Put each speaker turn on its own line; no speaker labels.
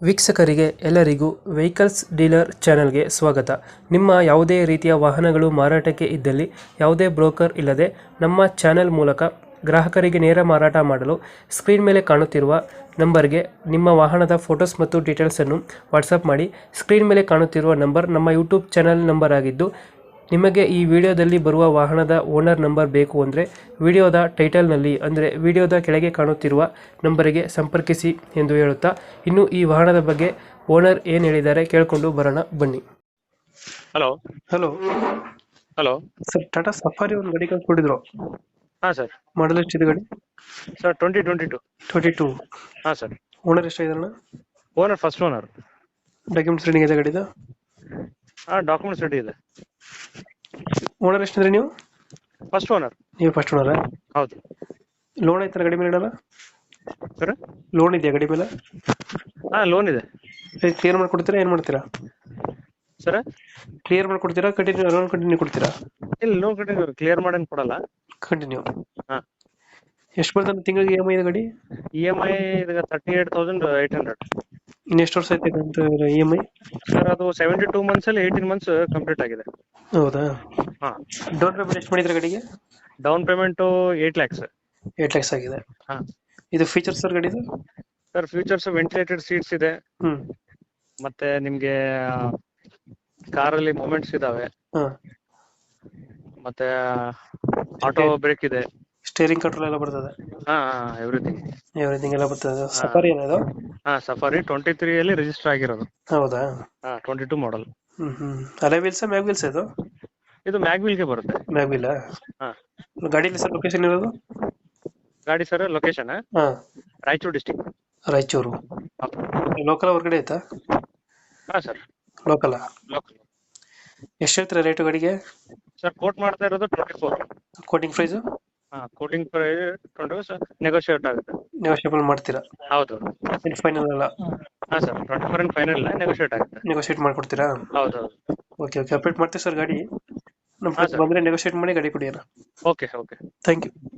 ವೀಕ್ಷಕರಿಗೆ ಎಲ್ಲರಿಗೂ vehicles dealer ಚಾನೆಲ್ಗೆ ಸ್ವಾಗತ. ನಿಮ್ಮ ಯಾವುದೇ ರೀತಿಯ ವಾಹನಗಳು ಮಾರಾಟಕ್ಕೆ ಇದ್ದಲ್ಲಿ ಯಾವುದೇ ಬ್ರೋಕರ್ ಇಲ್ಲದೆ ನಮ್ಮ ಚಾನೆಲ್ ಮೂಲಕ ಗ್ರಾಹಕರಿಗೆ ನೇರ ಮಾರಾಟ ಮಾಡಲು ಸ್ಕ್ರೀನ್ ಮೇಲೆ ಕಾಣುತ್ತಿರುವ ನಂಬರ್ಗೆ ನಿಮ್ಮ ವಾಹನದ ಫೋಟೋಸ್ ಮತ್ತು ಡೀಟೇಲ್ಸನ್ನು ವಾಟ್ಸಪ್ ಮಾಡಿ. ಸ್ಕ್ರೀನ್ ಮೇಲೆ ಕಾಣುತ್ತಿರುವ ನಂಬರ್ ನಮ್ಮ ಯೂಟ್ಯೂಬ್ ಚಾನೆಲ್ ನಂಬರ್ ಆಗಿದ್ದು, ನಿಮಗೆ ಈ ವಿಡಿಯೋದಲ್ಲಿ ಬರುವ ವಾಹನದ ಓನರ್ ನಂಬರ್ ಬೇಕು ಅಂದರೆ ವಿಡಿಯೋದ ಟೈಟಲ್ನಲ್ಲಿ ಅಂದರೆ ವಿಡಿಯೋದ ಕೆಳಗೆ ಕಾಣುತ್ತಿರುವ ನಂಬರಿಗೆ ಸಂಪರ್ಕಿಸಿ ಎಂದು ಹೇಳುತ್ತಾ, ಇನ್ನು ಈ ವಾಹನದ ಬಗ್ಗೆ ಓನರ್ ಏನು ಹೇಳಿದ್ದಾರೆ ಕೇಳಿಕೊಂಡು ಬರೋಣ ಬನ್ನಿ.
Hello
hello
hello
sir, Tata Safari ಒಂದು ಗಾಡಿ ಕಳ್ಸ್ಕೊಟ್ಟಿದ್ರು,
ಹಾಂ ಸರ್.
ಮಾಡಲ್ ಎಷ್ಟಿದೆ ಗಾಡಿ?
ಸರ್ 2022.
22.
ಹಾಂ ಸರ್.
ಓನರ್ ಎಷ್ಟಾಗಿದಾರಣ?
Owner first owner.
Documents ready ಇದೆ ಗಾಡಿದ?
ಹಾಂ, ಡಾಕ್ಯುಮೆಂಟ್ಸ್ ರೆಡಿ ಇದೆ.
ಓನರ್ ಎಷ್ಟಿದ್ರೆ ನೀವು?
First owner.
ನೀವು ಫಸ್ಟ್ ಓನರಾ?
ಹೌದು
ಲೋನ್ ಐತನ ಗಾಡಿ ಮೇಲೆ ಇಡಲ್ಲ?
ಸರ್.
ಲೋನ್ ಇದೆಯಾ ಗಾಡಿ ಮೇಲೆ?
ಹಾಂ, ಲೋನ್ ಇದೆ
ಕ್ಲಿಯರ್ ಮಾಡ್ಕೊಡ್ತೀರಾ, ಏನು ಮಾಡ್ತೀರಾ?
ಸರ್.
ಕ್ಲಿಯರ್ ಮಾಡ್ಕೊಡ್ತೀರಾ, ಕಂಟಿನ್ಯೂ ಲೋನ್ ಕಂಟಿನ್ಯೂ ಕೊಡ್ತೀರಾ?
ಇಲ್ಲ, ಲೋನ್ ಕಟ್ಟಿಂಗ್ ಕ್ಲಿಯರ್ ಮಾಡೇನು ಕೊಡಲ್ಲ.
ಕಂಟಿನ್ಯೂ.
ಹಾಂ.
ಎಷ್ಟು ಬರ್ತದೆ ತಿಂಗಳಿಗೆ EMI ಇದೆ ಗಾಡಿ?
EMI ಈಗ 38,800.
ಇನ್ನು ಎಷ್ಟು ವರ್ಷ ಐತೆ ಅಂತ EMI?
ಸರ್, ಅದು 72 ಮಂತ್ಸಲ್ಲಿ 18 ಮಂತ್ಸ್ ಕಂಪ್ಲೀಟ್ ಆಗಿದೆ.
ಹೌದಾ?
ಹಾಂ.
ಡೌನ್ ಪೇಮೆಂಟ್ ಎಷ್ಟು ಮಾಡಿದ್ರೆ ಗಾಡಿಗೆ?
Down payment 8 lakhs.
8 lakhs ಆಗಿದೆ.
ಹಾಂ.
ಇದು ಫೀಚರ್ಸ್ ಸರ್ ಗಾಡಿದು?
ಸರ್, ಫ್ಯೂಚರ್ಸ್ ವೆಂಟಿಲೇಟೆಡ್ ಸೀಟ್ಸ್ ಇದೆ.
ಹ್ಮ್.
ಮತ್ತೆ ನಿಮಗೆ ಕಾರಲ್ಲಿ ಮೂಮೆಂಟ್ಸ್ ಇದಾವೆ.
ಹಾಂ.
ಮತ್ತೆ ಆಟೋ ಬ್ರೇಕ್ ಇದೆ.
ಸ್ಟೇರಿಂಗ್ ಕಂಟ್ರೋಲ್ ಎಲ್ಲ ಬರ್ತದೆ?
ಹಾ, ಎವ್ರಿಥಿಂಗ್
ಎಲ್ಲ ಬರ್ತದೆ. ಸಫಾರಿ ಏನದು?
ಹಾ, ಸಫಾರಿ 23 ಅಲ್ಲಿ ರಿಜಿಸ್ಟರ್ ಆಗಿರೋದು.
ಹೌದಾ?
ಹಾ, 22 ಮಾಡೆಲ್.
ಅಲೆ ವೀಲ್ಸ್ ಮ್ಯಾಗ್ ವೀಲ್ಸ್ ಇದು?
ಇದು ಮ್ಯಾಗ್ವಿಲ್ ಗೆ ಬರುತ್ತೆ.
Mag wheel?
ಹಾ.
ಗಾಡಿಯಲ್ಲಿ ಸರ್ ಲೊಕೇಶನ್ ಇರೋದು?
ಗಾಡಿ ಸರ್ ಲೊಕೇಶನ್
ಹಾ,
ರಾಯಚೂರು ಡಿಸ್ಟಿಕ್.
ರಾಯಚೂರು. ಲೋಕಲ್ ಹೊರಗಡೆ ಆಯ್ತಾ?
ಹಾ ಸರ್,
ಲೋಕಲ್.
ಲೋಕಲ್.
ಎಷ್ಟು ಹೇಳ್ತೀರಾ ರೇಟು ಗಾಡಿಗೆ?
ಸರ್, ಕೋಟ್ ಮಾಡ್ತಾ ಇರೋದು 24.
Quoting price?
ಹಾ, ಕೋಟಿಂಗ್ ಪ್ರೈಸ್ 20 ನೆಗೋಷಿಯೇಟ್ ಆಗುತ್ತೆ.
ನೆಗೋಷಿಯಬಲ್ ಮಾಡ್ತೀರಾ?
ಹೌದು.
ಫೈನಲ್ ಅಲ್ಲ?
ಹಾ ಸರ್, 24 ಫೈನಲ್ ಇಲ್ಲ, ನೆಗೋಷಿಯೇಟ್ ಆಗುತ್ತೆ.
ನೆಗೋಷಿಯೇಟ್ ಮಾಡ್ಕೊಡ್ತೀರಾ?
ಹೌದು.
ಓಕೆ ಓಕೆ, ಅಪ್ಡೇಟ್ ಮಾಡ್ತೀವಿ ಸರ್ ಗಾಡಿ. ನಮ್ಮ
ಹಾ, ಸರ್.
ಬಂದರೆ ನೆಗೋಷಿಯೇಟ್ ಮಾಡಿ ಗಾಡಿ ಕೊಡಿ.
Okay okay.
Thank you.